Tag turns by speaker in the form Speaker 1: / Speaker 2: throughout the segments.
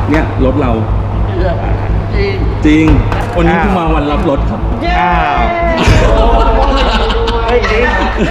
Speaker 1: เนี่ยรถเราจริงวันนี้คือมาวันรับรถครับ
Speaker 2: อ้าวเฮ้ยจริง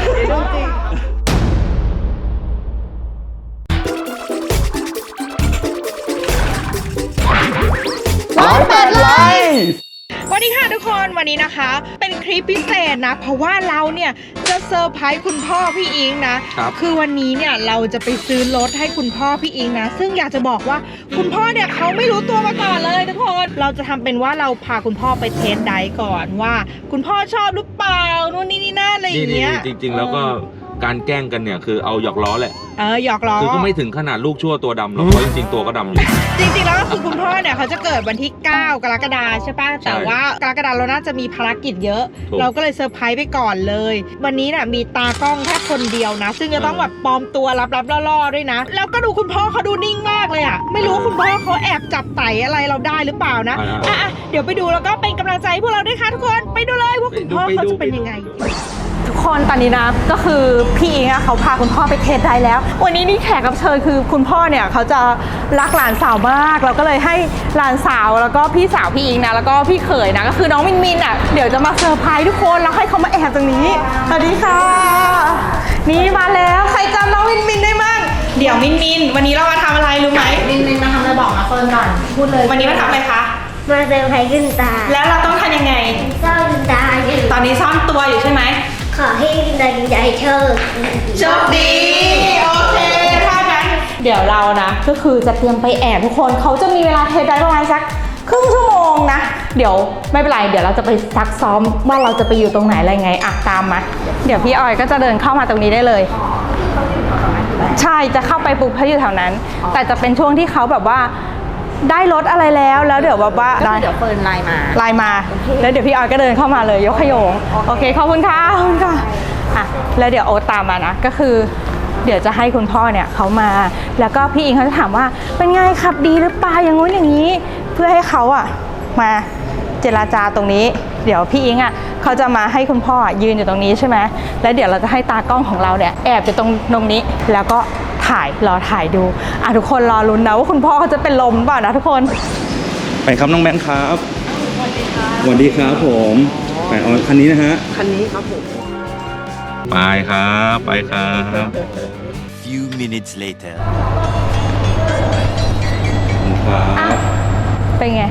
Speaker 1: 108 ไลค์
Speaker 3: สวัสดีค่ะทุกคนวันนี้นะคะเป็นคลิปพิเศษนะเพราะว่าเราเนี่ยจะเซอร์ไพรส์คุณพ่อพี่อิงนะคือวันนี้เนี่ยเราจะไปซื้อรถให้คุณพ่อพี่อิงนะซึ่งอยากจะบอกว่าคุณพ่อเนี่ยเขาไม่รู้ตัวมาก่อนเลยทุกคนเราจะทำเป็นว่าเราพาคุณพ่อไปเทสไดร์ก่อนว่าคุณพ่อชอบหรือเปล่านู่นนี่นั่นอะไรอย่างเงี้ย
Speaker 4: จริงๆแล้วก็การแกล้งกันเนี่ยคือเอาหยอกล้อแหละ
Speaker 3: หยอกล้อ
Speaker 4: คือก็ไม่ถึงขนาดลูกชั่วตัวดำหรอกเพราะจริงๆตัวก็ดำอยู่
Speaker 3: จริงๆแล้วก็คือคุณพ่อเนี่ยเขาจะเกิดวันที่9 กรกฎาคมใช่ป่ะแต่ว่ากรกฎาคมเราน่าจะมีภารกิจเยอะเราก็เลยเซอร์ไพรส์ไปก่อนเลยวันนี้น่ะมีตากล้องแค่คนเดียวนะซึ่งจะต้องแบบปลอมตัวลับๆล่อๆด้วยนะแล้วก็ดูคุณพ่อเขาดูนิ่งมากเลยอ่ะไม่รู้คุณพ่อเขาแอบจับไต่อะไรเราได้หรือเปล่านะเดี๋ยวไปดูแล้วก็เป็นกำลังใจพวกเราด้วยค่ะทุกคนไปดูเลยว่าคุณพ่อเขาจะเป็นยังไงทุกคนตอนนี้นะก็คือพี่อิงเขาพาคุณพ่อไปเทสได้แล้ววันนี้นี่แขกรับเชิญคือคุณพ่อเนี่ยเขาจะรักหลานสาวมากเราก็เลยให้หลานสาวแล้วก็พี่สาวพี่อิงนะแล้วก็พี่เขยนะก็คือน้องมินมินอ่ะเดี๋ยวจะมาเซอร์ไพรส์ทุกคนแล้วให้เขามาแอบตรงนี้สวัสดีค่ะนี่มาแล้วใครจำน้องมินมินได้มั้งเดี๋ยวมินมินวันนี้เรามาทำอะไรรู้ไหม
Speaker 5: มินมาทำอะไรบอกมาเฟิร์นก่อนพูดเลย
Speaker 3: วันนี้มาทำอะไรคะ
Speaker 5: มาเซอร์ไพรส์ขึ้นตา
Speaker 3: แล้วเราต้องทำยังไง
Speaker 5: ซ่อนตาอยู่
Speaker 3: ตอนนี้ซ่อนตัวอยู่ใช่ไหม
Speaker 5: ขอให้กินได้กินใจโชค
Speaker 3: ดีโอเคถ้างั้นเดี๋ยวเรานะก็คือจะเตรียมไปแอบทุกคนเขาจะมีเวลาเทสได้ประมาณสักครึ่งชั่วโมงนะเดี๋ยวไม่เป็นไรเดี๋ยวเราจะไปซักซ้อมว่าเราจะไปอยู่ตรงไหนอะไรไงอ่ะตามมาเดี๋ยวพี่ออยก็จะเดินเข้ามาตรงนี้ได้เลยใช่จะเข้าไปปุ๊บเขาอยู่แถวนั้นแต่จะเป็นช่วงที่เขาแบบว่าได้รถอะไรแล้วเดี๋ยวแบบว่า
Speaker 5: เดี๋ยวเฟิร์นไลน์มา
Speaker 3: แล้วเดี๋ยวพี่ออยก็เดินเข้ามาเลยยกขยงโอเคขอบคุณค่ะขอบคุณค่ะอ่ะแล้วเดี๋ยวโอ๊ตตามมานะก็คือเดี๋ยวจะให้คุณพ่อเนี่ยเขามาแล้วก็พี่อิงเขาจะถามว่าเป็นไงขับดีหรือเปล่าอย่างงู้นอย่างนี้เพื่อให้เขาอ่ะมาเจรจาตรงนี้เดี๋ยวพี่อิงอ่ะเขาจะมาให้คุณพ่อยืนอยู่ตรงนี้ใช่ไหมแล้วเดี๋ยวเราจะให้ตากล้องของเราเนี่ยแอบอยู่ตรงนี้แล้วก็รอถ่ายดูทุกคนรอลุ้นนะว่าคุณพ่อเขาจะเป็นลมเปล่านะทุกคน
Speaker 1: ไปครับน้องแบงค์ครับสวัสดีครับสวัสดีครับผมไปเอาคันนี้นะฮะ
Speaker 2: คันนี้ครับผม
Speaker 4: ไปครับไปครับ
Speaker 6: Few minutes later
Speaker 1: ครับ
Speaker 3: เป็นไง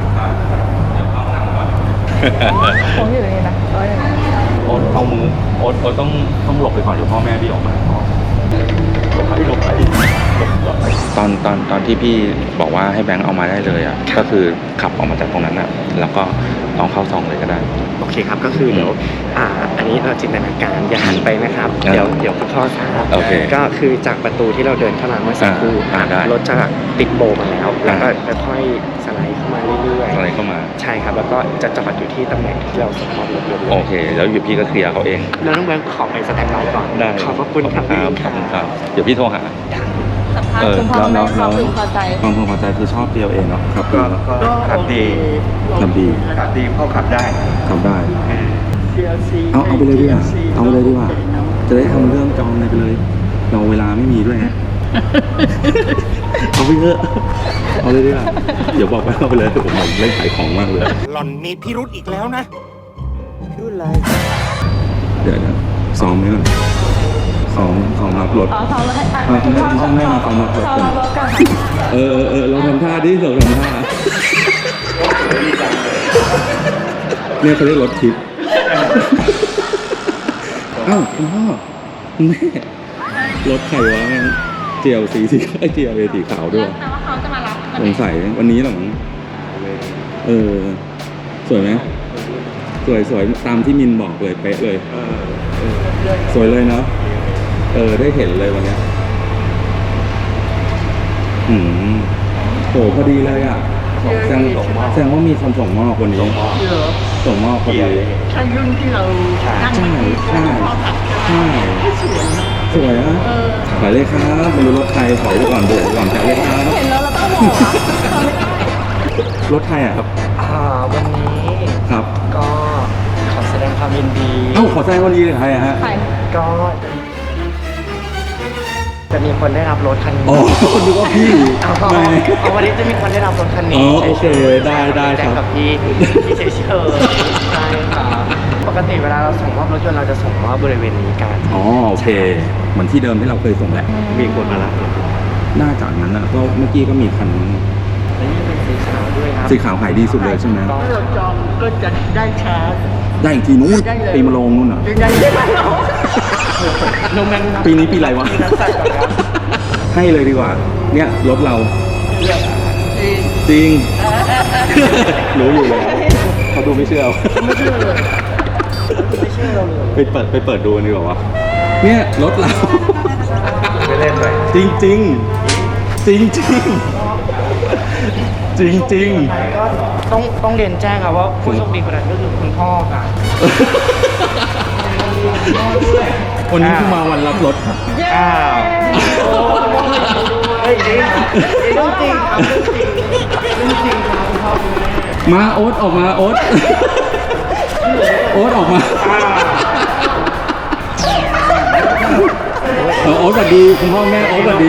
Speaker 3: ผมอยู่นี่นะ
Speaker 1: โอ๊ตเอามือโอ๊ตต้องหลบไปก่อนเดี๋ยวพ่อแม่พี่ออกมาหลบไปตอนที่พี่บอกว่าให้แบงค์เอามาได้เลยอ่ะก็คือขับออกมาจากตรงนั้นอ่ะแล้วก็ลองเข้าซองเลยก็ได้
Speaker 2: โอเคครับก็คือเดี๋ยวอันนี้เราจินตนาการอย่าหันไปนะครับเดี๋ยวคุณพ่อทราบก็คือจากประตูที่เราเดินเข้ามาเมื่อสักครู่รถจะติดโบมาแล้วแล้วก็ค่อยๆสไลด์เข้ามาเรื่อยๆ
Speaker 1: สไลด์เข้ามา
Speaker 2: ใช่ครับแล้วก็จะจอดอยู่ที่ตำแหน่งที่เราสปอร์ตรถเลย
Speaker 1: โอเคแล้วอยู่พี่ก็เคลียร์เขาเอง
Speaker 2: แล้วน้องแบงค์ขอไปสแตนด์บายก่อน
Speaker 1: ได้
Speaker 2: ขอบคุณครับ
Speaker 1: ขอบคุณครับเดี๋ยวพี่โทรหา
Speaker 3: สัมภาษณ์คุณพ่อแม่ความพึงพอใจ
Speaker 1: ความพึงพอใจคือชอบเดียวเองเนาะครับก็
Speaker 2: ขับดีพ่อขับได้
Speaker 1: เอาไปเลยดีกว่าเอาไปเลยดีกว่าจะได้ทำเรื่องจองอะไรไปเลยเราเวลาไม่มีด้วยฮะเอาไปเถอะเอาเลยดีกว่าเดี๋ยวบอกไปเอาไปเลยผมเล่นขายของมากเลย
Speaker 6: หล่อนมีพิรุธอีกแล้วนะ
Speaker 2: พิรุธอะไร
Speaker 1: เดี๋ยวซ้อมไหมก่อนซ้อมรับรถ
Speaker 3: ซ้อมรถให้
Speaker 1: ช่างแม่มาซ้อมรับรถกันเราทำท่าดิเราทำท่าเนี่ยเขาเรียกรถทิปอ้าวคุณพ่อคุณแม่รถใครวะเจียวสีเจียวสีขาวด้วย
Speaker 3: แปลว่าเขาจะมารับ
Speaker 1: สงสัยวันนี้หรอสวยไหมสวยตามที่มินบอกเลยเป๊ะเลยสวยเลยเนาะได้เห็นเลยวันนี้โหพอดีเลยอ่ะแสดงว่ามีคนส่งมอบวันนี้ส่งมอบพอดี
Speaker 5: ใช่รุ่นที่เรา
Speaker 1: ใช่สวยอ่ะขายเลยครับไม่รู้รถใครถอยไปก่อนเดี๋ยวก่อนขายเลยครับ
Speaker 3: เห็นแล้วเราต้องบอก
Speaker 1: รถใครอ่ะครับ
Speaker 2: วันนี้
Speaker 1: ครับ
Speaker 2: ก็ขอแสดงความยินดี
Speaker 1: ขอแสดงความยินดีใครอะฮะ
Speaker 2: ก็จะมีคนได้รับรถคันนี้
Speaker 1: อ๋อนึกว่าพี่
Speaker 2: เอาวันนี้จะมีคนได้รับรถคัน
Speaker 1: อ๋
Speaker 2: นี้
Speaker 1: อโอเคได้ได้
Speaker 2: แจ้
Speaker 1: ค
Speaker 2: ง
Speaker 1: รั
Speaker 2: กั
Speaker 1: บบ
Speaker 2: พี่เฉยๆใช่ครับปกติเวลาเราส่งมอบรถยนต์เราจะส่งมอบบริเวณนี้กัน
Speaker 1: อ๋อโอเค เหมือนที่เดิมที่เราเคยส่งแหละ
Speaker 2: มีคนมารับรถ
Speaker 1: น่าจากนั้นนะก็เมื่อกี้ก็มีคันนึง
Speaker 2: และนี่เป็นสีขาวด้วยครับ
Speaker 1: สีขาวขายดีสุดเลยใช่ไหม
Speaker 2: ถ้าเราจองก็จะได้ชาร์จ
Speaker 1: ได้อีกทีนู้นปีมะโรงนู่นเหรอ
Speaker 2: ได้ไหมโนแมน
Speaker 1: ปีนี้ปีอะไรวะ
Speaker 2: ปีนักสัตว์ก่อนครับ
Speaker 1: ให้เลยดีกว่า เนี่ยรถเรา จริง รู้อยู่แล้วเขาดูไม่เชื่อ
Speaker 2: ไม่เชื่อเลยไม่เชื่อเราเลย
Speaker 1: ไปเปิดดูดีกว่าวะเนี่ยรถเรา
Speaker 2: ไม่เล่นเลย
Speaker 1: จริงจริงจริงจริงจริงจริง
Speaker 2: ก็ต้องเรียนแจ้งครับว่าผู้โชคดีคนนั้นก็คือคุณพ่อค่ะ
Speaker 1: วันนี้คือมาวันรับรถครับ
Speaker 2: อ้าวเฮ้ยจริงจริงครับจริงครับคุณพ่อคุณแม่
Speaker 1: มาโอ๊ตออกมาโอ๊ตโอ๊ตออกมาโอ๊ตสวัสดีคุณพ่อแม่โอ๊ตสวัสดี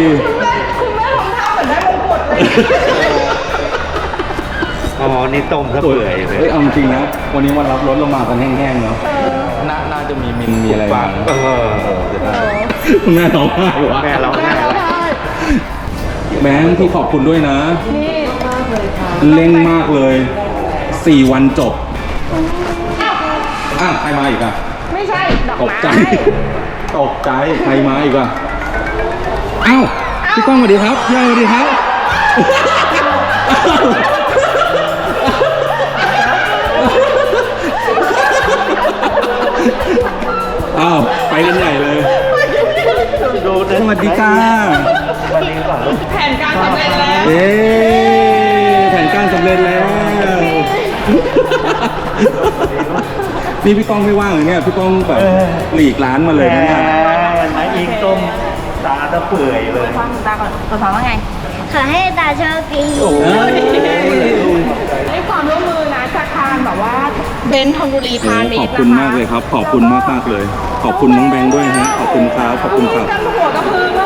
Speaker 2: อ๋อนี่ต้มซะเปื่อยเลย
Speaker 1: เฮ้ยเอาจริงนะวันนี้วันรับรถเรามากันแห้งๆเนาะน่าจะมีมินมีอะไรมาคุณแม่ร้องไห้วะ
Speaker 2: แม่เราแม่เรา
Speaker 1: แบงค์ที่ขอบคุณด้วยนะเร่งมากเลย4 วันจบใครมาอีกอ่ะ
Speaker 3: ไม่ใช่ดอก
Speaker 1: ตก
Speaker 3: ไม้
Speaker 1: ใจตกใจใครมาอีกอ่ะอ้าวพี่ก้องสวัสดีครับพี่อ้อยสวัสดีครับอ้าวไปกันใหญ่เลยสวัสดีค่ะ
Speaker 3: แผนการสำเร็จแล้ว
Speaker 1: เย้แผนการสำเร็จแล้ว นี่พี่ก้องไม่ว่างเลยเนี่ยพี่ก้องแบบหลีกร้านมาเลยนะเนี่ย
Speaker 2: นะยิงต้มตาตะเปื่อยเลย
Speaker 3: ฟังตาก่อนตัวฟังว่าไง
Speaker 5: ขอให้ตาโชคดี
Speaker 3: ให้ความร่วมมือนะจากทางแบบว่าเบนซ์ธนบุรีพาณิ
Speaker 1: ข
Speaker 3: ช
Speaker 1: อบ
Speaker 3: ย์นะคะ
Speaker 1: คุณมากเลยครับ ขอบคุณมากเลย ขอบคุณน้องแบงค์ด้วยฮะขอบคุณครับขอบคุณครับ
Speaker 3: กันหัวกระพือมาก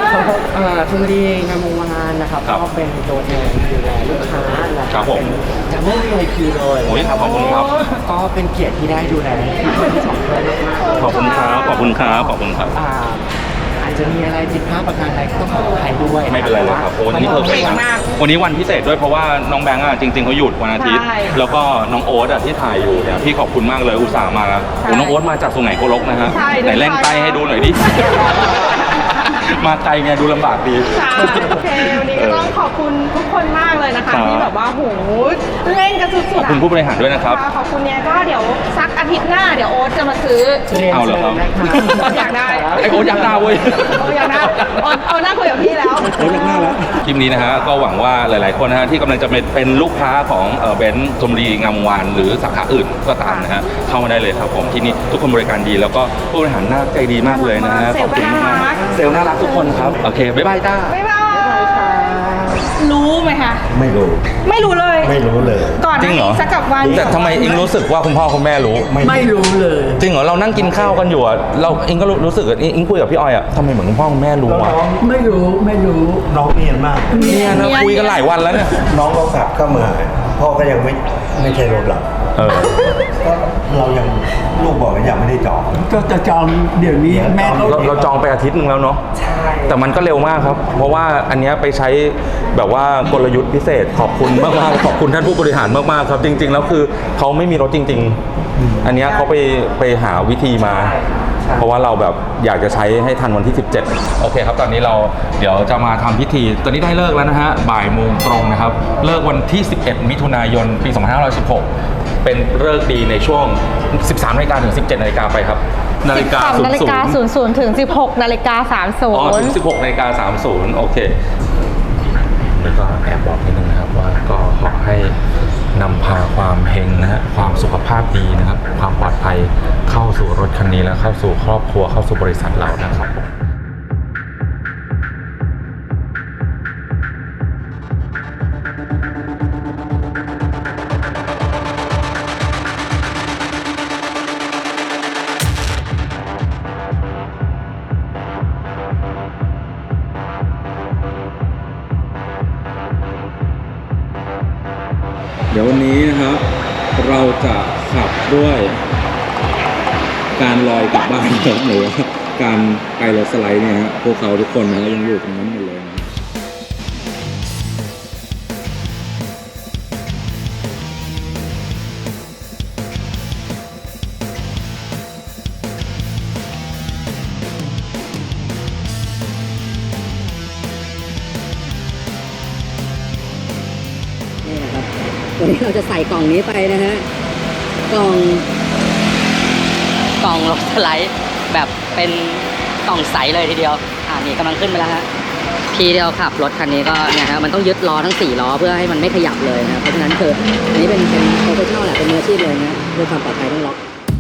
Speaker 2: ทุนดีงามวงวานนะครับ
Speaker 1: ครับ
Speaker 2: ก็เป็นตัวแทนดูแลลูกค้านะครับ
Speaker 1: ผม
Speaker 2: จะไม่มีคิวเลย
Speaker 1: โอ้ยขอบคุณครับ
Speaker 2: ก็เป็นเกียรติที่ได้ดูแลทั้งสองท่านมากๆ
Speaker 1: ขอบคุณครับขอบคุณครับขอบคุณครับ
Speaker 2: อาจจะมีอะไรผิดพลาดประการใดก็ต้องขออภัยด้วย
Speaker 1: ไม่เป็นไรเลยครับโอ้วันนี้เพอร์เฟกต์นะวันนี้วันพิเศษด้วยเพราะว่าน้องแบงค์อ่ะจริงๆเขาหยุดวันอาทิตย์ แล้วก็น้องโอ๊ตอ่ะที่ถ่ายอยู่เนี่ยพี่ขอบคุณมากเลยอุตส่าห์มาแล้วโอ้น้องโอ๊ตมาจากสุไหงโกลกนะฮะไหนเล่นใกล้ให้ดูหน่อยดิ มาไกลไงดูลำบากดี
Speaker 3: ใช่โอเควันนี้ก็ต้องขอบคุณทุกคนมากเลยนะคะ
Speaker 1: ครับ
Speaker 3: ที่แบบว่าโหเล่นกันสุดๆ
Speaker 1: ขอบคุณผู้บริหารด้วยนะครับ
Speaker 3: ขอบคุณเนี่ยก็เดี๋ยวสักอาทิตย์หน้าเดี๋ยวโอ๊ตจะมาซื้อ
Speaker 1: เอาเหรอครับ
Speaker 3: อยากได้
Speaker 1: ไอโอ๊ตอยากได้เว้ย
Speaker 3: อยากได้เอาหน้าคุยกับพี่แล้ว
Speaker 1: โอ๊ตอยากได้แล้วคลิปนี้นะฮะก็หวังว่าหลายๆคนนะฮะที่กำลังจะเป็นลูกค้าของเบนซ์ชลบุรีงามวงวานหรือสาขาอื่นก็ตามนะฮะเข้ามาได้เลยครับผมที่นี่ทุกคนบริการดีแล้วก็ผู้บริหารน่าใจดีมากเลยนะฮะขอบคุณมากเซลล์น่ารักทุกคนครับโอเคบ๊ายบายจ้า
Speaker 3: บ๊ายบายรู้ไหมคะ
Speaker 6: ไม่รู้
Speaker 3: ไม่รู้เลย
Speaker 6: ไม่รู้เลย
Speaker 3: ก่อนห
Speaker 1: จริ
Speaker 3: น้าง
Speaker 1: เหรอ
Speaker 3: นี้สักกับวัน
Speaker 1: แต่ทำไมอิงรู้สึกว่าคุณพ่อคุณแม่รู้
Speaker 6: ไม่รู้เลย
Speaker 1: จริงเหรอเรานั่งกินข้าวกันอยู่อะเราอิงก็รู้สึกอะอิงคุยกับพี่ออยอะทำไมเหมือนคุณพ่อคุณแม่รู้วะ
Speaker 6: ไม่รู้น้องเนียนมาก
Speaker 1: เนี่ยนะคุยกันหลายวันแล้วเนี่ย
Speaker 6: น้องเรากลับเข้ามาพ่อก็ยังไม่ใช่รถหลับ
Speaker 1: เออ
Speaker 6: ก็เรายังลูกบอกว่ายังไม่ได้จอง
Speaker 7: ก็จะจองเดี๋ยวนี้แม่ก็
Speaker 1: เราจองไปอาทิตย์หนึงแล้วเนาะ
Speaker 2: ใช่
Speaker 1: แต่มันก็เร็วมากครับ เพราะว่าอันเนี้ยไปใช้แบบว่ากลยุทธ์พิเศษขอบคุณมากๆขอบคุณท่านผู้บริหารมากๆครับ จริง ๆ แล้วคือเขาไม่มีรถจริง ๆ อันเนี้ยเขาไปหาวิธีมา เพราะว่าเราแบบอยากจะใช้ให้ทันวันที่ 17 โอเคครับ ตอนนี้เราเดี๋ยวจะมาทำพิธี ตอนนี้ได้เลิกแล้วนะฮะ บ่ายโมงตรงนะครับ เลิกวันที่ 11 มิถุนายน ปี 2516 เป็นเลิกดีในช่วง 13 นาฬิกาถึง 17 นาฬิกาไปครับ นาฬิกา
Speaker 3: 12 นาฬิกา 00 ถึง 16 นาฬิกา
Speaker 1: อ๋อถึง 16 นาฬิกา 30 โอเค แล้วก็แอบบอกนิดนึงนะครับว่าก็ขอให้นำพาความเฮงนะฮะความสุขภาพดีนะครับ ความปลอดภัยเข้าสู่รถคันนี้และเข้าสู่ครอบครัวเข้าสู่บริษัทเรานะครับดี๋ยววันนี้นะครับ เราจะขับด้วยการลอยกลับบ้านครับหรือว่าการไปรถสไลด์เนี่ยฮะพวกเขาทุกคนนะยังอยู่ตรงนั้นหมดเลยนะ
Speaker 8: นี่นะครับวันนี้เราจะใส่กล่องนี้ไปนะฮะกล่องรถสไลด์แบบเป็นกล่องใสเลยทีเดียวนี่กำลังขึ้นไปแล้วฮะพี่ที่เราขับรถคันนี้ก็เนี่ยฮะมันต้องยึดล้อทั้ง4ล้อเพื่อให้มันไม่ขยับเลยนะเพราะฉะนั้นคืออันนี้เป็นโปรเฟชชั่นอลแหละเป็นมืออาชีพเลยนะเพื่อความปลอดภัยต้องล็อก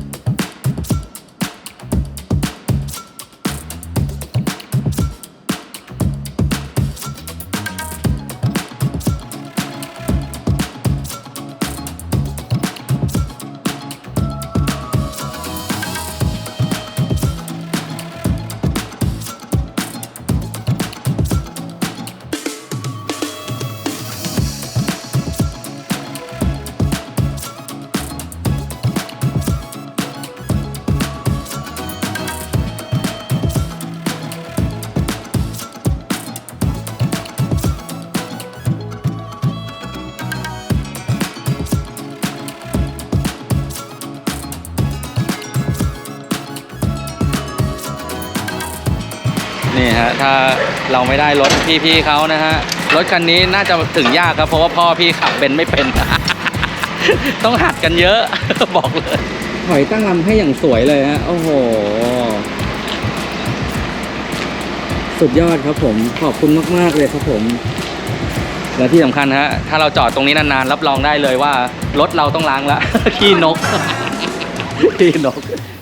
Speaker 9: นี่ฮะถ้าเราไม่ได้รถพี่ๆเขานะฮะรถคันนี้น่าจะถึงยากครับเพราะว่าพ่อพี่ขับเป็นไม่เป็น ต้องหัดกันเยอะ บอกเลยถอยตั้งลำให้อย่างสวยเลยฮะโอ้โหสุดยอดครับผมขอบคุณมากๆเลยครับผมและที่สำคัญฮะถ้าเราจอดตรงนี้นานๆรับรองได้เลยว่ารถเราต้องล้างละ ขี้นก ขี้นก